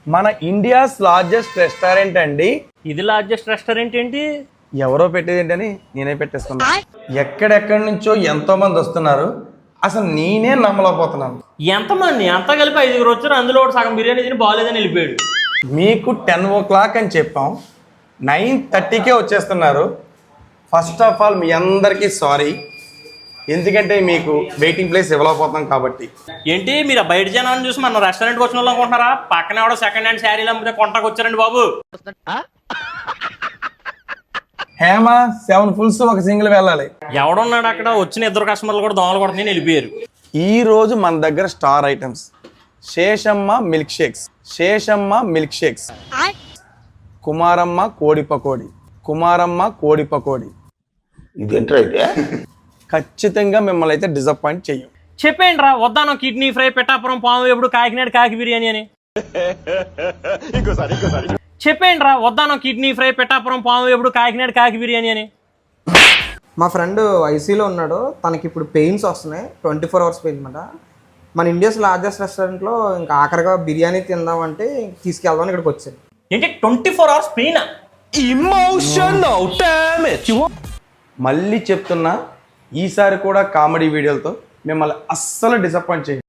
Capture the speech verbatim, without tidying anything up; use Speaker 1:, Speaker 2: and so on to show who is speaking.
Speaker 1: మన India's largest restaurant అండి.
Speaker 2: ఇది లార్జెస్ట్ రెస్టారెంట్ ఏంటి?
Speaker 1: ఎవరో పెట్టేది ఏంటని నేనే పెట్టేస్తున్నా. ఎక్కడెక్కడి నుంచో ఎంతో మంది వస్తున్నారు, అసలు నేనే నమ్మలేకపోతున్నాను.
Speaker 2: ఎంతమంది? అంతా కలిపి ఐదుగురు వచ్చారు, అందులో ఒకటి సగం బిర్యానీ తిని బాగాలేదని వెళ్ళిపోయాడు.
Speaker 1: మీకు టెన్ ఓ క్లాక్ అని చెప్పాం, నైన్ థర్టీకే వచ్చేస్తున్నారు. ఫస్ట్ ఆఫ్ ఆల్ మీ అందరికీ సారీ, ఎందుకంటే మీకు వెయిటింగ్ ప్లేస్ ఇవ్వలేకపోతున్నాం కాబట్టి.
Speaker 2: ఏంటి మీరు బయట జనాన్ని చూసి మన రెస్టారెంట్కి వచ్చిన వాళ్ళు అనుకుంటున్నారా? పక్కన ఎవడో సెకండ్ హ్యాండ్ శారీలు అమ్మితే కొంటాకు వచ్చారండి బాబు.
Speaker 1: హేమ సెవెన్ ఫుల్స్ ఒక సింగిల్ వెళ్ళాలి.
Speaker 2: ఎవడున్నాడు అక్కడ? వచ్చిన ఇద్దరు కస్టమర్లు కూడా దోమలు కొడుతుంది వెళ్ళిపోయారు.
Speaker 1: ఈ రోజు మన దగ్గర star items Seshamma milk shakes, Seshamma milk shakes, Kumaramma కోడి పకోడి, కుమారమ్మ కోడి పకోడి.
Speaker 3: ఇదేంట్రా అయితే?
Speaker 1: ఖచ్చితంగా మిమ్మల్ని అయితే డిసప్పాయింట్ చెయ్యం.
Speaker 2: చెప్పేయండి రా, వద్దాను కిడ్నీ ఫ్రై, పిఠాపురం పాము ఎప్పుడు, కాకినాడ కాకి బిర్యానీ అని. చెప్పేయండి రా, వద్దాను కిడ్నీ ఫ్రై, పిఠాపురం పాము ఎప్పుడు, కాకినాడ కాకి బిర్యానీ అని.
Speaker 4: మా ఫ్రెండ్ ఐసీలో ఉన్నాడు, తనకి ఇప్పుడు పెయిన్స్ వస్తున్నాయి, ట్వంటీ ఫోర్ అవర్స్ పెయిన్ అనమాట. మన ఇండియాస్ లార్జెస్ట్ రెస్టారెంట్లో ఇంకా ఆఖరిగా బిర్యానీ తిందామంటే తీసుకెళ్దామని ఇక్కడికి వచ్చాను.
Speaker 2: ఏంటి twenty four hours pain?
Speaker 1: Emotional damage. మళ్ళీ చెప్తున్నా, ఈసారి కూడా కామెడీ వీడియోలతో మిమ్మల్ని అస్సలు డిసప్పాయింట్ చేయండి.